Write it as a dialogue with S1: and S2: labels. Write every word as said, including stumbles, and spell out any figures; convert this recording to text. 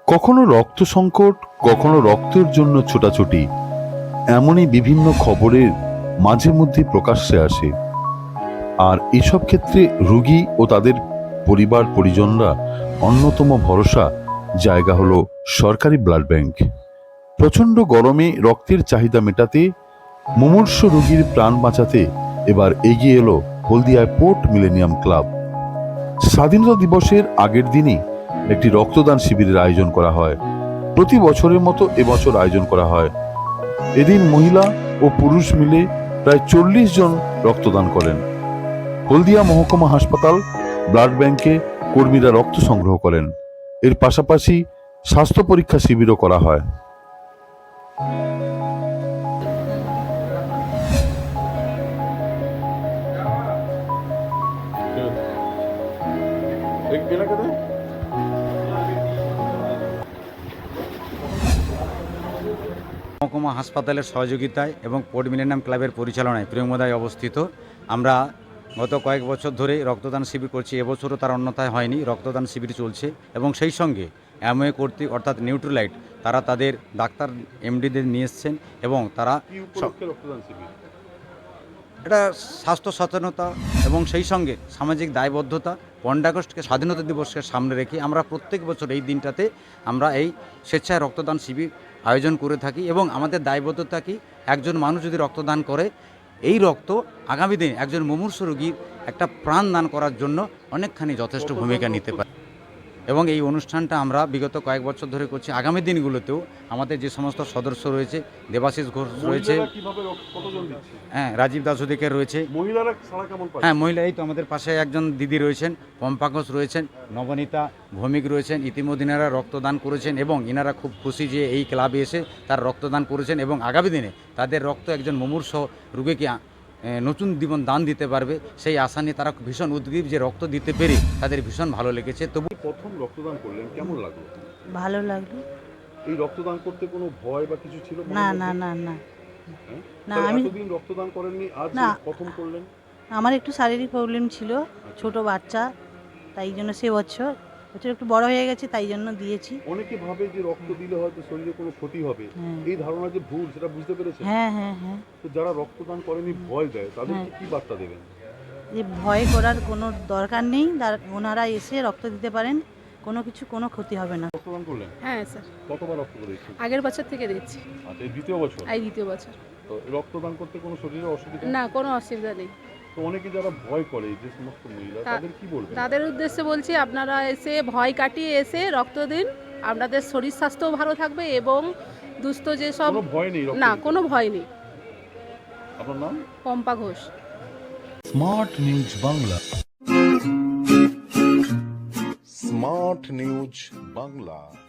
S1: কখনো রক্ত সংকট, কখনো রক্তের জন্য ছোটাছুটি, এমনই বিভিন্ন খবরের মাঝে মধ্যে প্রকাশ্যে আসে। আর এসব ক্ষেত্রে রোগী ও তাদের পরিবার পরিজনরা অন্যতম ভরসা জায়গা হলো সরকারি ব্লাড ব্যাংক। প্রচণ্ড গরমে রক্তের চাহিদা মেটাতে, মুমূর্ষ রোগীর প্রাণ বাঁচাতে এবার এগিয়ে এলো হলদিয়ায় পোর্ট মিলেনিয়াম ক্লাব। স্বাধীনতা দিবসের আগের দিনই একটি রক্তদান শিবিরের আয়োজন করা হয়। প্রতি বছরের মতো এবছর আয়োজন করা হয়। এদিন মহিলা ও পুরুষ মিলে প্রায় চল্লিশ জন রক্তদান করেন। হলদিয়া মহকুমা হাসপাতাল ব্লাড ব্যাংকে কর্মীরা রক্ত সংগ্রহ করেন। এর পাশাপাশি স্বাস্থ্য পরীক্ষা শিবিরও করা হয়।
S2: মহকুমা হাসপাতালের সহযোগিতায় এবং পোর্ট মিলেনিয়াম ক্লাবের পরিচালনায় প্রিয়মদায় অবস্থিত আমরা গত কয়েক বছর ধরে রক্তদান শিবির করছি। এবছরও তার অন্যথায় হয়নি, রক্তদান শিবির চলছে এবং সেই সঙ্গে অ্যামওয়ে কর্তৃক অর্থাৎ নিউট্রিলাইট তারা তাদের ডাক্তার এমডিদের নিয়ে এসছেন এবং তারা এটা স্বাস্থ্য সচেতনতা এবং সেই সঙ্গে সামাজিক দায়বদ্ধতা, পনেরোই আগস্টকে স্বাধীনতা দিবসকে সামনে রেখে আমরা প্রত্যেক বছর এই দিনটাতে আমরা এই স্বেচ্ছায় রক্তদান শিবির আয়োজন করে থাকি এবং আমাদের দায়বদ্ধতা কি, একজন মানুষ যদি রক্তদান করে এই রক্ত আগামী দিনে একজন মুমূর্ষু রোগীর একটা প্রাণ দান করার জন্য অনেকখানি যথেষ্ট ভূমিকা নিতে পারে এবং এই অনুষ্ঠানটা আমরা বিগত কয়েক বছর ধরে করছি। আগামী দিনগুলোতেও আমাদের যে সমস্ত সদস্য রয়েছে, দেবাশিস ঘোষ রয়েছে, হ্যাঁ রাজীব দাস অধিকার রয়েছে, হ্যাঁ মহিলা এই তো আমাদের পাশে একজন দিদি রয়েছেন, পম্পা ঘোষ রয়েছেন, নবনীতা ভৌমিক রয়েছেন। ইতিমধ্যে ইনারা রক্তদান করেছেন এবং ইনারা খুব খুশি যে এই ক্লাবে এসে তার রক্তদান করেছেন এবং আগামী দিনে তাদের রক্ত একজন মুমূর্ষ রোগীকে নতুন জীবন দান দিতে পারবে সেই আশা নিয়ে তারা ভীষণ উদ্গ্রীব যে রক্ত দিতে পেরে তাদের ভীষণ ভালো লেগেছে। তবু
S1: প্রথম রক্তদান করলেন, কেমন লাগলো?
S3: ভালো লাগলো।
S1: এই রক্তদান করতে কোনো ভয় বা কিছু ছিল?
S3: না না না না না আমি
S1: এতদিন রক্তদান করেননি, আজ
S3: না
S1: প্রথম করলেন?
S3: আমার একটু শারীরিক প্রবলেম ছিল, ছোট বাচ্চা, তাই জন্য সে বছর বছর একটু বড় হয়ে গেছে তাই জন্য দিয়েছি।
S1: অনেকে ভাবে যে রক্ত দিলে হয়তো শরীরে কোনো ক্ষতি হবে, এই ধারণা যে ভুল সেটা বুঝতে পেরেছেন?
S3: হ্যাঁ হ্যাঁ হ্যাঁ
S1: তো যারা রক্তদান করেনি ভয় দেয় তাদেরকে কি বার্তা দেবেন?
S3: যে ভয় করার কোনো দরকার নেই, ওনারা এসে রক্ত দিতে পারেন, কোনো কিছু কোনো ক্ষতি হবে না।
S1: রক্তদান করলেন?
S4: হ্যাঁ স্যার।
S1: কতবার রক্ত দিয়েছেন?
S4: আগের বছর থেকে দিচ্ছি।
S1: আচ্ছা, এই দ্বিতীয় বছর?
S4: এই দ্বিতীয় বছর।
S1: তো রক্তদান করতে কোনো শরীরে অসুবিধা?
S4: না, কোনো অসুবিধা নেই।
S1: তো অনেকে যারা ভয় করে, যে সমস্ত মহিলা, তাদের কি বলবেন?
S4: তাদের উদ্দেশ্যে বলছি আপনারা এসে ভয় কাটিয়ে এসে রক্ত দিন, আপনাদের শরীর স্বাস্থ্যও ভালো থাকবে এবং দুস্থ যে সব
S1: কোনো ভয় নেই?
S4: না, কোনো ভয় নেই।
S1: আপনার নাম?
S4: Pampa Ghosh.
S5: Smart news Bangla. Smart news Bangla.